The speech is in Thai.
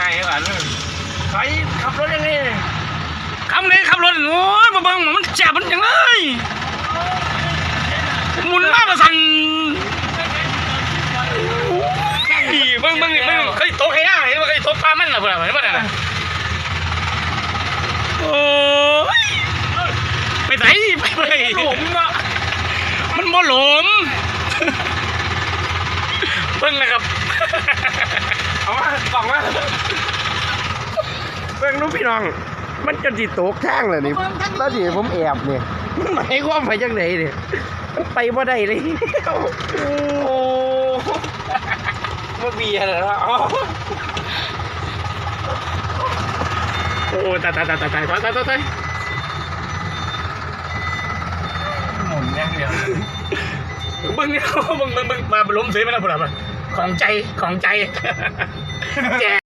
กันใครขับรถยังไงขับรถโอ้ยมาเบิ่งมันแจ็บมันยังเลยหมุนมาประสันเบิ่งเคยตกให้ย่าเห็นว่าเคยตกปลามันล่ะเพื่อนเห็นป่ะน่ะโอ้ยไปไหนไปหลมเนาะมันบ่หลมเบิ่งนะครับเอามาบอกว่าเบิ่งลูกพี่น้องมันจนจิตตกทางเลยนี่แล้วดิผมแอบเนี่ยมันหมายความไปจังไหนเนี่ยมันไปบ่ได้เลยโอ้มาเบียร์เหรอโอ้ตายหมุนอย่างเดียวเบิ่งเนี่ยเบิ่งมาล้มเสียไปแล้วพุ่นล่ะของใจแก